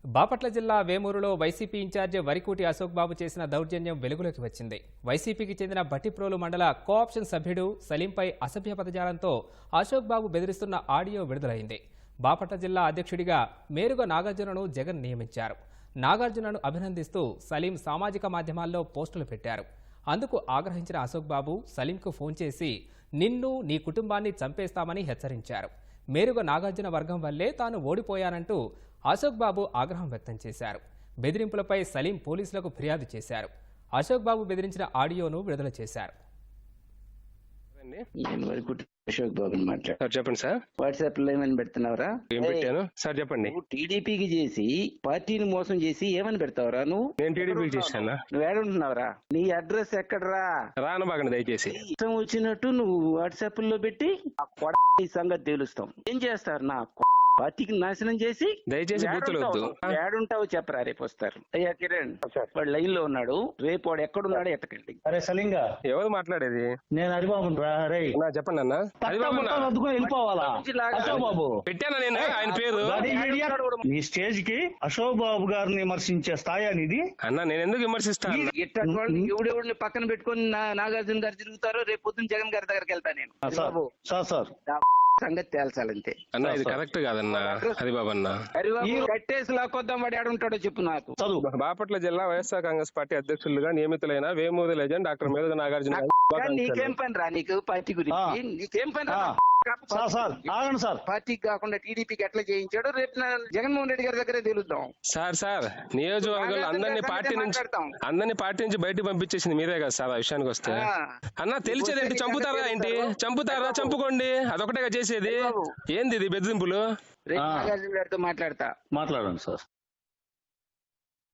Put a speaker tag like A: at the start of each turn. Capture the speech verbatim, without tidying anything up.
A: బాపట్ల జిల్లా వేమూరులో YCP incharge Varikuti Ashok Babu చేసిన దౌర్జన్యం వెలుగులోకి వచ్చింది. వైసీపీకి చెందిన బట్టిప్రోలు మండల కోఆప్షన్ సభ్యుడు సలీంపై అసభ్య పదజాలంతో అశోక్ బాబు బెదిరిస్తున్న ఆడియో విడుదలైంది. బాపట్ల జిల్లా అధ్యక్షుడిగా మేరుగ నాగార్జునను జగన్ నియమించారు. నాగార్జునను అభినందిస్తూ సలీం సామాజిక మాధ్యమాల్లో పోస్టులు పెట్టారు. అందుకు ఆగ్రహించిన అశోక్ బాబు సలీంకు ఫోన్ చేసి నిన్ను నీ కుటుంబాన్ని చంపేస్తామని హెచ్చరించారు. మేరుగ నాగార్జున వర్గం వల్లే తాను ఓడిపోయానంటూ అశోక్ బాబు ఆగ్రహం వ్యక్తం చేశారు. బెదిరింపులపై సలీం పోలీసులకు ఫిర్యాదు చేశారు. అశోక్ బాబు బెదిరించిన ఆడియోను విడుదల చేశారు.
B: అశోక్ బాబు మాట్లాడు.
C: సార్ చెప్పండి సార్.
B: వాట్సాప్ లో ఏమని పెడుతున్నావురా?
C: ఏం పెట్టాను సార్ చెప్పండి.
B: టీడీపీకి చేసి పార్టీని మోసం చేసి ఏమని పెడతావురా నువ్వు?
C: నేను టీడీపీకి చేశానా?
B: నువ్వు ఏడుంటున్నావురా? నీ అడ్రస్ ఎక్కడరా?
C: రానబాగండి దయచేసి.
B: ఇష్టం వచ్చినట్టు నువ్వు వాట్సాప్ లో పెట్టి ఆ కొడ ఈ సంగతి తెలుస్తాం. ఏం చేస్తారు నా పార్టీకి నాశనం చేసి?
C: దయచేసి బూతులు వద్దు.
B: ఏడుంటావు చెప్పరా? రేపు వస్తారు. అయ్యా కిరణ్ వాడు లైన్ లో ఉన్నాడు. రేపు వాడు ఎక్కడున్నాడో ఎత్తకండి.
D: అరే సలింగా,
C: ఎవరు మాట్లాడేది?
D: నేను హరిబాబు రా. రే
C: అన్నా చెప్పండి అన్న.
D: వెళ్ళిపోవాలా? అశోక్ బాబు
C: పెట్టానా నేను ఆయన పేరు?
D: నీ స్టేజ్ కి అశోక్ బాబు గారిని విమర్శించే స్థాయి అనేది
C: అన్న నేను ఎందుకు విమర్శిస్తాను?
B: ఎవడెవడిని పక్కన పెట్టుకుని నాగార్జున గారు తిరుగుతారో రేపు పొద్దున్న జగన్ గారి దగ్గరికి వెళ్తా నేను.
D: సార్ సార్
B: సంగతి తేల్చాలంతే
C: అన్న. ఇది కరెక్ట్ కాదన్న హరిబాబు అన్న.
B: హరిబాబు కట్టేసి లాక్కొద్దాం. వాడు ఏడుంటాడో చెప్పు నాకు.
C: బాపట్ల జిల్లా వైఎస్ఆర్ కాంగ్రెస్ పార్టీ అధ్యక్షులుగా నియమితులైన వేమూరి లెజెండ్ డాక్టర్ మేరుగ నాగార్జున.
B: నీకేం పని రా? నీకు పార్టీ గురించి నీకేం పని రా? పార్టీకి కాకుండా టీడీపీకి ఎట్లా చేయించాడో రేపు జగన్మోహన్ రెడ్డి గారి దగ్గరే తెలుద్దాం.
C: సార్ సార్ నియోజకవర్గంలో అందరినీ పార్టీ నుంచి అందరినీ పార్టీ నుంచి బయటకు పంపించేసింది మీరే కదా సార్. ఆ విషయానికి వస్తే అన్న తెలిసేదేంటి? చంపుతారా ఏంటి? చంపుతారా? చంపుకోండి, అదొకటే చేసేది. ఏంది ఇది బెదిరింపులు?
B: రేపు నాగార్జున గారితో మాట్లాడతా.
D: మాట్లాడండి సార్.